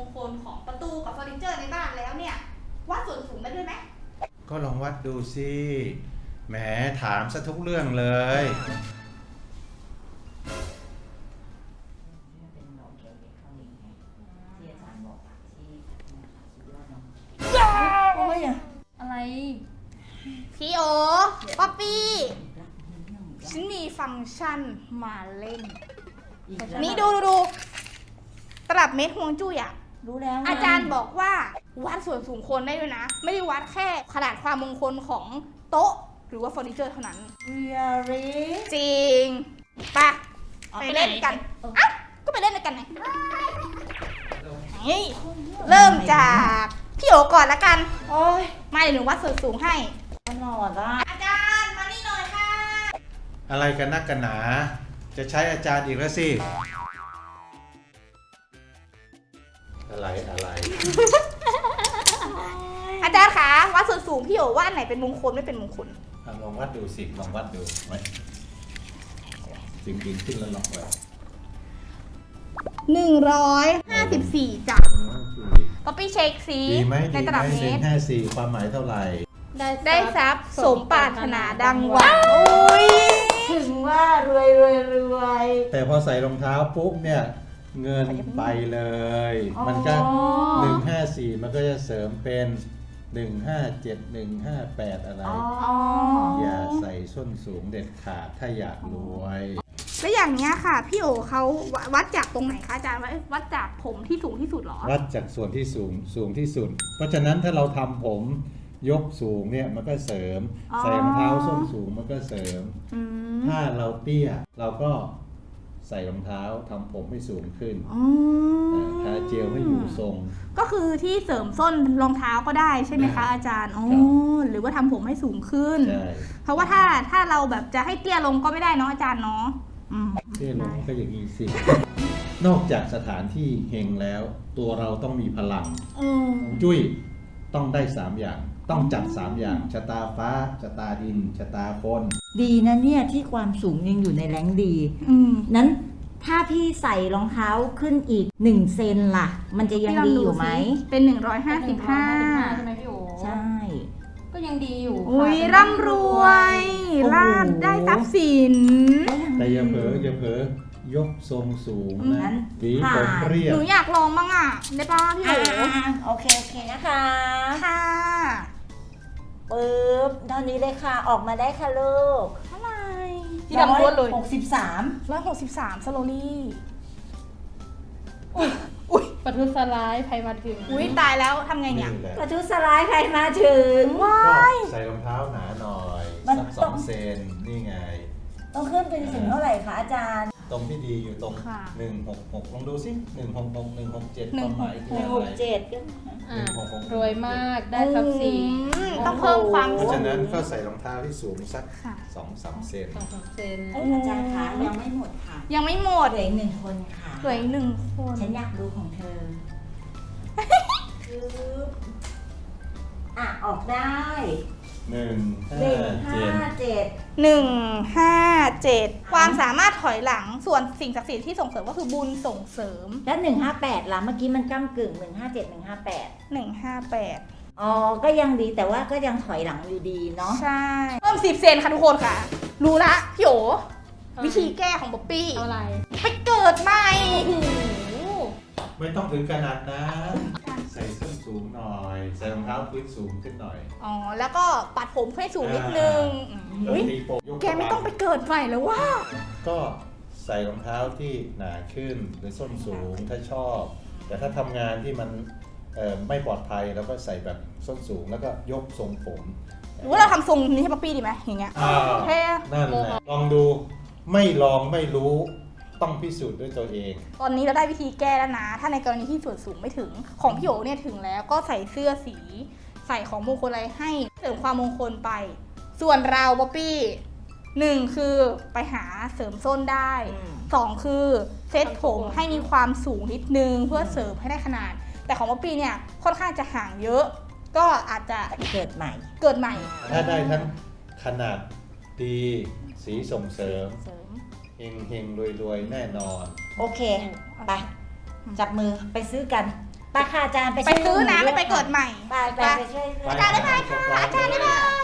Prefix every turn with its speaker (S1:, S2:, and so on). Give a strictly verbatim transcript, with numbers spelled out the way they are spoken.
S1: งคลของประตูกับเฟอร์นิเจอร์ในบ้านแล้วเนี่ยวัดส่วนสูงได้ด้วยไหม
S2: ก็ลองวัดดูสิแหมถามซะทุกเรื่องเลย
S3: โอ้ยอะไร
S1: พี่โอป๊อปปี้ฉันมีฟังก์ชันมาเล่นนี่ดูดูดูตลับเมตรฮวงจุ้ยอ่ะ
S3: รู้แล้ว
S1: อาจารย์บอกว่าวัดส่วนสูงคนได้ด้วยนะ ไม่ได้วัดแค่ขนาดความมงคลของโต๊ะหรือว่าเฟอร์นิเจอร์เท่านั้น
S3: really
S1: จริงปะไปเล่นกันอ่ะก็ไปเล่นกันไงนี่เริ่มจากพี่โอก่อนละกัน
S3: โอ้ย
S1: มาเดี๋ยวหนูวัดส่วนสูงให้
S3: ตลอดอ่ะ
S1: อาจารย์มานี่หน่อยค่ะ
S2: อะไรกันนักกันหนา จะใช้อาจารย์อีกแล้วสิ อะไรอะไร
S1: อาจารย์คะวัดส่วนสูงพี่โอว่าอันไหนเป็นมงคลไม่เป็นมงคล
S2: ลองวัดดูสิลองวัดดูไว้จริงจริงขึ้นแล้วลองไว้
S1: หนึ่งร้อยห้าสิบสี่จ้ะก็ไปเช็คซิในตลับเมตร
S2: ห้าสี่ความหมายเท่าไหร่
S1: ได้ทรัพย์สมปรารถนาดังหวัง
S3: ถึงว่ารวยรวยรวย
S2: แต่พอใส่รองเท้าปุ๊บเนี่ยเงินไปเลยมันก็หนึ่งห้าสี่มันก็จะเสริมเป็นหนึ่งห้าเจ็ดหนึ่งห้าแปดอะไรอย่าใส่ส้นสูงเด็ดขาดถ้าอยากรวย
S1: แล้วอย่างเนี้ยค่ะพี่โอเขาวัดจากตรงไหนคะอาจารย์วัดจากผมที่สูงที่สุดหรอ
S2: วัดจากส่วนที่สูงสูงที่สุดเพราะฉะนั้นถ้าเราทำผมยกสูงเนี่ยมันก็เสริมใส่รองเท้าส้นสูงมันก็เสริมถ้าเราเตี้ยเราก็ใส่รองเท้าทำผมให้สูงขึ้นทาเจลให้อยู่ทรง
S1: ก็คือที่เสริมส้นรองเท้าก็ได้ใช่ไหมคะอาจารย์อ๋อหรือว่าทำผมให้สูงขึ้นเพราะว่าถ้าถ้าเราแบบจะให้เตี้ยลงก็ไม่ได้เนาะอาจารย์เนาะ
S2: เตี้ยลงก็อย่างนี้สินอกจากสถานที่เฮงแล้วตัวเราต้องมีพลังจุ้ยต้องได้สามอย่างต้องจัดสามอย่างชะตาฟ้าชะตาดินชะตาคน
S3: ดีนะเนี่ยที่ความสูงยังอยู่ในแรงดีนั้นถ้าพี่ใส่รองเท้าขึ้นอีกหนึ่งเซนล่ะมันจะยังดีอยู่ไหม
S1: เป็นหนึ่งร้อยห้าสิบห้า
S4: ใช่ไหมพี่โอ
S3: ใช่
S4: ก็ยังดีอยู่
S1: อุ้ยร่ำรวยลาบได้ทรัพย์สิน
S2: แต่อย่าเผลออย่าเผลอยกทรงสูงนะหวีผมเรียบ
S1: หนูอยากลองบ้างอ่ะได้ป่ะพี่โอ๋
S3: โอเคโอเคนะคะ
S1: ค่ะ
S3: ปึ๊บเท่านี้เลยค่ะออกมาได้ค่ะลูก
S1: เท่าไหร่ที่ดำล้วนเลย
S3: หกสิบสาม
S1: ร้อยหกสิบสามสโลลี่
S4: อุ้ยปะทุสลายใครมาถึง
S1: อุ้ยตายแล้วทำไงเนี่ย
S3: ปะทุสลายใครมาถึง
S1: ว้าย
S2: ใส่รองเท้าหนาหน่อยสักสองเซนนี่ไง
S3: ต้องขึ้นเป็นถึงเท่าไหร่คะอาจารย์
S2: ตรงที่ดีอยู่ตรงหนึ่งหกหกลองดูสิหนึ่งหกหกหนึ่งหกเจ็ดความหมาย
S3: คืออะไรหนึ่งหกเจ็ดก็
S4: รวยมากได้ทรัพย์สิน
S1: ต้องเพิ่มความ
S2: เพราะฉะนั้นก็ใส่รองเท้าที่สูงสักสองสามเซน
S4: สองสามเซน
S3: อาจารย์คะยังไม่หมดค่ะ
S1: ยังไม่หมด
S3: เหลืออีกหนึ่งคนค่ะ
S1: เหลืออีกหนึ่งคน
S3: ฉันอยากดูของเธอคืออ่ะออกได้
S2: หนึ่ง
S3: ห้าเจ็ด
S1: หนึ่งห้าเจ็ดความสามารถถอยหลังส่วนสิ่งศักดิ์สิทธิ์ที่ส่งเสริมก็คือบุญส่งเสริม
S3: แล้วหนึ่งห้าแปดล่ะเมื่อกี้มันก้ำกึ่งหนึ่งห้าเจ็ดหนึ่งห้าแปด
S1: หนึ่งห้าแปด
S3: อ๋อก็ยังดีแต่ว่าก็ยังถอยหลังอยู่ดีเนาะ
S1: ใช่เพิ่มสิบเซนค่ะทุกคนค่ะรู้ละพี่โอวิธีแก้ของบ๊อบปี้
S4: อะไร
S1: ไปเกิดใหม่
S2: ไม่ต้องถึงขนาดนั้นใส่ส้นสูงหน่อยใส่รองเท้าพื้นสูงขึ้นหน่อย
S1: อ๋อแล้วก็ปัดผมให้สูงนิดนึงอุ้ยแกไม่ต้องไปเกิดใหม่แล้วว่า
S2: ก็ใส่รองเท้าที่หนาขึ้นหรือส้นสูงถ้าชอบแต่ถ้าทำงานที่มันไม่ปลอดภัยแล้วก็ใส่แบบส้นสูงแล้วก็ยกทรงผม
S1: หรือว่าเราทำทรงนี้ให้ป๊อปปี้ดีไหมอย่างเงี้ย
S2: เท่นั่นแหละลองดูไม่ลองไม่รู้ต้องพิสูจน์ด้วยตัวเอง
S1: ตอนนี้เราได้วิธีแก้แล้วนะถ้าในกรณีที่ส่วนสูงไม่ถึงของพี่โอเนี่ยถึงแล้วก็ใส่เสื้อสีใส่ของมงคลอะไรให้เสริมความมงคลไปส่วนเราบ๊อบปี้หนึ่งคือไปหาเสริมส้นได้สองคือเซตผมให้มีความสูงนิดนึงเพื่อเสริมให้ได้ขนาดแต่ของบ๊อบปี้เนี่ยค่อนข้างจะห่างเยอะก็อาจจะ
S3: เกิดใหม่
S1: เกิดใหม่
S2: ถ้าได้ทั้งขนาดดีสีส่งเสริมเฮงเฮงรวยรวยแน่นอน
S3: โอเคไปจับมือไปซื้อกันไปค่ะอาจารย์ไป
S1: ไป
S3: ช่วย
S1: ซื้อนะ
S3: ลู
S1: ไม่
S3: ก
S1: ไปเกิดใหม่
S3: ไปไปไปช่วย
S1: อาจารย์ได้ไหมค่ะอาจารย์ได้ไหม